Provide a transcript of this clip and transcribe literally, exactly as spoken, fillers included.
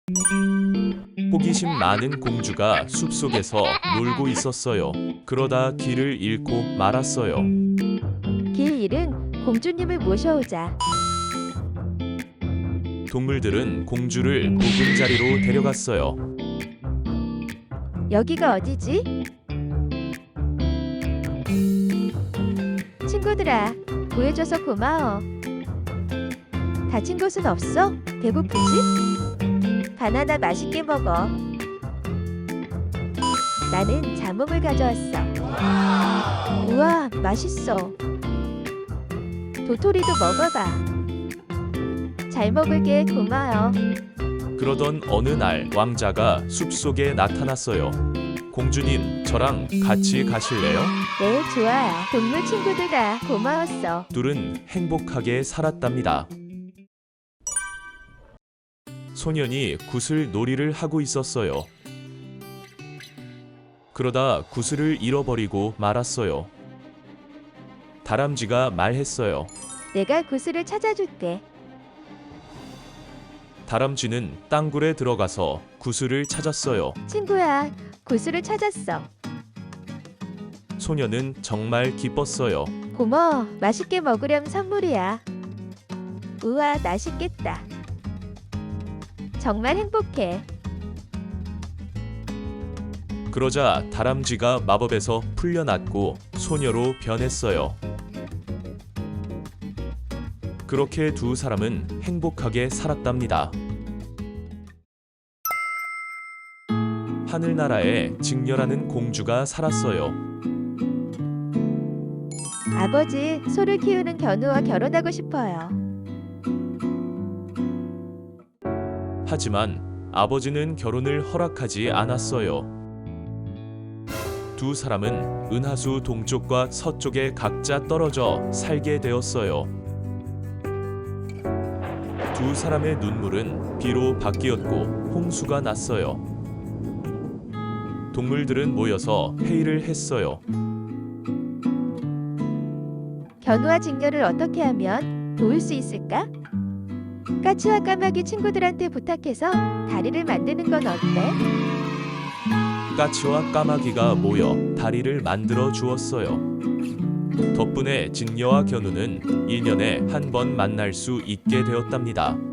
호기심 많은 공주가 숲속에서 놀고 있었어요. 그러다 길을 잃고 말았어요. 길 잃은 공주님을 모셔오자. 동물들은 공주를 보금자리로 데려갔어요. 여기가 어디지? 친구들아, 구해줘서 고마워. 다친 곳은 없어? 배고프지? 바나나 맛있게 먹어. 나는 자몽을 가져왔어. 우와, 맛있어. 도토리도 먹어봐. 잘 먹을게, 고마워. 그러던 어느 날 왕자가 숲속에 나타났어요. 공주님, 저랑 같이 가실래요? 네, 좋아요. 동물 친구들아, 고마웠어. 둘은 행복하게 살았답니다. 소년이 구슬 놀이를 하고 있었어요. 그러다 구슬을 잃어버리고 말았어요. 다람쥐가 말했어요. 내가 구슬을 찾아줄게. 다람쥐는 땅굴에 들어가서 구슬을 찾았어요. 친구야, 구슬을 찾았어. 소년은 정말 기뻤어요. 고마워. 맛있게 먹으렴 선물이야. 우와, 맛있겠다. 정말 행복해. 그러자 다람쥐가 마법에서 풀려났고 소녀로 변했어요. 그렇게 두 사람은 행복하게 살았답니다. 하늘나라에 직녀라는 공주가 살았어요. 아버지, 소를 키우는 견우와 결혼하고 싶어요. 하지만 아버지는 결혼을 허락하지 않았어요. 두 사람은 은하수 동쪽과 서쪽에 각자 떨어져 살게 되었어요. 두 사람의 눈물은 비로 바뀌었고 홍수가 났어요. 동물들은 모여서 회의를 했어요. 견우와 직녀를 어떻게 하면 도울 수 있을까? 까치와 까마귀 친구들한테 부탁해서 다리를 만드는 건 어때? 까치와 까마귀가 모여 다리를 만들어 주었어요. 덕분에 직녀와 견우는 일 년에 한 번 만날 수 있게 되었답니다.